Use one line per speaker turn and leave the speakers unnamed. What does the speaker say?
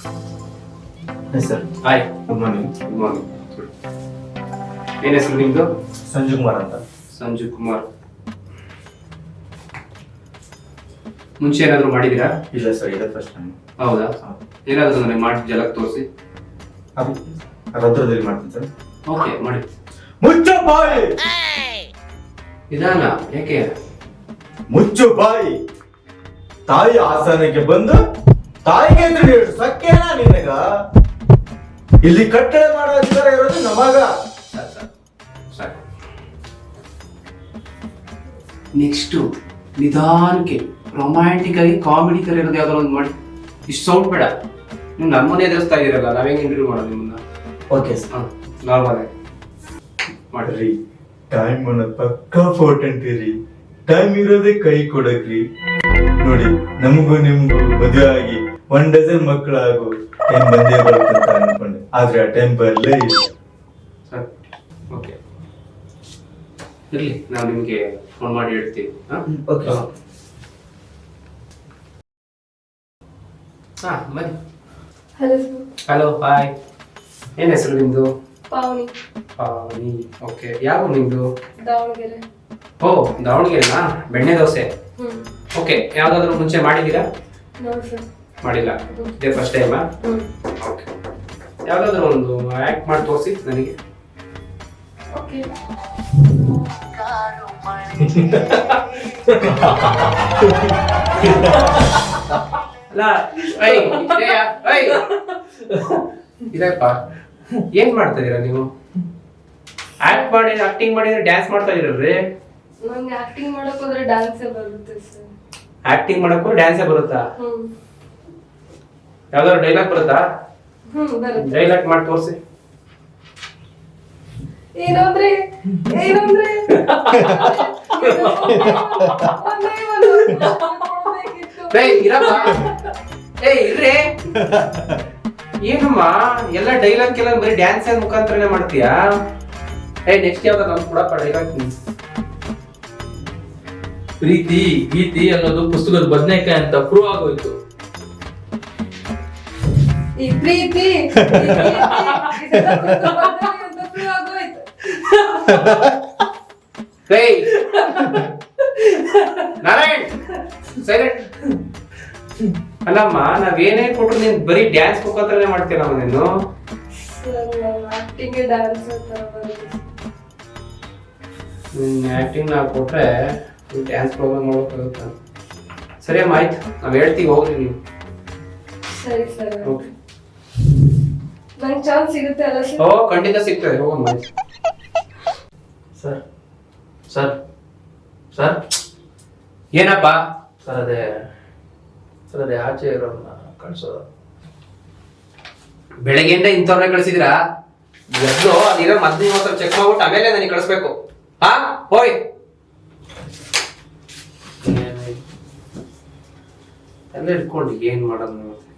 Sir
hi,
good morning.
Good morning. ಏನ್ ಹೆಸರು ನಿಮ್ದು?
ಸಂಜು ಕುಮಾರ್ ಅಂತ.
ಸಂಜು ಕುಮಾರ್. ಮುಂಚೆ ಏನಾದ್ರು ಮಾಡಿದೀರಾ?
ಇಲ್ಲ ಸರ್, ಇದೇ ಫಸ್ಟ್ ಟೈಮ್.
ಹೌದಾ? ಏನಾದ್ರು ನನಗೆ ಮಾಡಿ ಜಲಕ್ ತೋರಿಸಿ.
ಅದು ರೌದ್ರದಲ್ಲಿ ಮಾಡ್ತೀನಿ ಸರ್.
ಓಕೆ, ಮಾಡಿ.
ಮುಚ್ಚು ಬಾಯಿ,
ನಿಧಾನ. ಯಾಕೆ?
ಮುಚ್ಚು ಬಾಯಿ. ತಾಯಿ ಆಸನಕ್ಕೆ ಬಂದು ತಾಯಿಗೆ ಎದುರು ಸಕ್ಕೇನಾ ನಿನಗ? ಇಲ್ಲಿ ಕಟ್ಟಳೆ ಮಾಡೋ ಅಧಿಕಾರ ಇರೋದು ನಮಗ.
ಸಾಕು. ನೆಕ್ಸ್ಟ್ ನಿಧಾನಕ್ಕೆ ರೊಮ್ಯಾಂಟಿಕ್ ಆಗಿ ಕಾಮಿಡಿ ತರ ಇರೋದು ಯಾವ್ದಾರು ಒಂದು ಮಾಡಿ. ಇಷ್ಟು ಸೌಂಡ್ ಬೇಡ. ನೀವು ನಮ್ಮನೆ ಎದುರಿಸ್ತಾ ಇದೀರಲ್ಲ, ನಾವೇಂಗೆ ಇಂಟರ್ವ್ಯೂ ಮಾಡೋದು ನಿಮ್ಮನ್ನ?
Okay sir.
ನಾರ್ಮಲ್ ಆಗಿ
ಮಾಡ್ರಿ. ಟೈಮ್ ಅನ್ನೋದು ಪಕ್ಕ ಇಂಪಾರ್ಟೆಂಟ್ ರೀ. ಟೈಮ್ ಇರೋದೇ ಕೈ ಕೊಡಕ್ರಿ. ನೋಡಿ, ನಮಗೂ ನಿಮ್ಗೂ ಮದುವೆ ಆಗಿ 1 ಡಜನ್ ಮಕ್ಕಳಾಗು ಟೈಮ್ ಬಂದೇ ಬರುತ್ತಂತ ಅನ್ಕೊಂಡೆ, ಆದ್ರೆ ಆ ಟೈಮ್ ಬರಲೇ ಇಲ್ಲ.
ಸರ್, ಓಕೆ, ಇರಲಿ, ನಾವು ನಿಮಗೆ ಫೋನ್ ಮಾಡಿ ಹೇಳ್ತೀವಿ.
ಓಕೆ.
ಬನ್ನಿ.
Hello sir.
Hello, hi. ಏನ್ ಹೆಸರು ನಿಮ್ದು?
ಪಾವನಿ.
ಪಾವನಿ. ಓಕೆ, ಯಾವ ನಿಮ್ದು?
ದಾವಣಗೆರೆ.
ಓ, ದಾವಣಗೆರೆನಾ? ಬೆಣ್ಣೆ ದೋಸೆ. ಓಕೆ, ಯಾವ್ದಾದ್ರು ಮುಂಚೆ ಮಾಡಿದ್ದೀರಾ?
ನೋಡಿ ಸರ್.
ಮಾಡಿಲ್ಲ, ಇದೇ ಫಸ್ಟ್ ಟೈಮಾ? ಓಕೆ, ಯಾವ್ದಾದ್ರು ಒಂದು ಆಕ್ಟ್ ಮಾಡಿ ತೋರಿಸಿ ನನಗೆ.
ಓಕೆ.
ಅಲ್ಲ, ಇದಪ್ಪ ಏನ್ ಮಾಡ್ತಾ ಇದೀರಾ ನೀವು? ಆಕ್ಟಿಂಗ್ ಮಾಡಿದ್ರೆ ಡ್ಯಾನ್ಸ್ ಮಾಡ್ತಾ ಇದೀರಲ್ರಿ?
ನಂಗೆ ಆಕ್ಟಿಂಗ್ ಮಾಡಕ್ ಹೋದ್ರೆ ಡ್ಯಾನ್ಸೇ ಬರುತ್ತೆ ಸರ್.
ಆಕ್ಟಿಂಗ್ ಮಾಡಕ್ಕೂ ಡ್ಯಾನ್ಸೇ ಬರುತ್ತಾ? ಯಾವ್ದಾದ್ರು ಡೈಲಾಗ್ ಬರುತ್ತಾ?
ಬರುತ್ತೆ.
ಡೈಲಾಗ್ ಮಾಡಿ ತೋರಿಸಿ.
ಏನಂದ್ರೆ ಒಂದೇ
ಇರಮ್ಮ, ಇರ್ರಿ. ಏನಮ್ಮ ಎಲ್ಲ ಡೈಲಾಗ್ ಎಲ್ಲ ಬರೀ ಡ್ಯಾನ್ಸ್ ಮುಖಾಂತರನೇ ಮಾಡ್ತೀಯಾ? ನೆಕ್ಸ್ಟ್ ಯಾವ್ದಾದ್ರು ನಮ್ಗೆ ಕೊಡಪ್ಪ ಡೈಲಾಗ್.
ಪ್ರೀತಿ ಗೀತಿ ಅನ್ನೋದು ಪುಸ್ತಕದ ಬದನೆಕಾಯಿ ಅಂತ ಪ್ರೂವ್ ಆಗೋಯ್ತು.
ಈ ಪ್ರೀತಿ
ನಾರಾಯಣ್, ಸೈಲೆಂಟ್. ಅಲ್ಲಮ್ಮ, ನಾವೇನೇ ಕೊಟ್ರು ನೀನ್ ಬರೀ ಡ್ಯಾನ್ಸ್ ಮುಖಾಂತರನೇ ಮಾಡ್ತೀರಮ್ಮ ನೀನು.
ಆಕ್ಟಿಂಗ್ ಡ್ಯಾನ್ಸ್
ಆಕ್ಟಿಂಗ್ ನಾವು ಕೊಟ್ರೆ ಡ್ಯಾನ್ಸ್ ಪ್ರೋಗ್ರಾಮ್ ಮಾಡೋಕ್ಕಾಗುತ್ತಾ? ಸರಿ ಅಮ್ಮ, ಆಯ್ತು, ನಾವ್ ಹೇಳ್ತೀವಿ, ಹೋಗ್ರಿ ನೀವು.
ಸರಿ ಸರ್.
ಓಕೆ.
ನಂಗೆ ಚಾನ್ಸ್ ಸಿಗುತ್ತೆ ಅಲ್ಲ ಸರ್?
ಓ, ಖಂಡಿತ ಸಿಗ್ತದೆ, ಹೋಗೋಣ.
ಸರ್ ಸರ್ ಸರ್
ಏನಪ್ಪ?
ಸರ್ ಅದೇ ಆಚೆ ಇರೋನ್ನ ಕಳ್ಸೋದು.
ಬೆಳಗ್ಗೆಯಿಂದ ಇಂಥವ್ರನ್ನ ಕಳಿಸಿದ್ರಾ? ಎದ್ದು ಅದಿರೋ ಮೊದ್ಲು ಮಾತ್ರ ಚೆಕ್ ಮಾಡ್ಬಿಟ್ಟು ಆಮೇಲೆ ನನಗೆ ಕಳಿಸ್ಬೇಕು. ಹಾ, ಹೋಯ್. ಎಲ್ಲ ಇಟ್ಕೊಂಡು ಏನ್ ಮಾಡೋದು?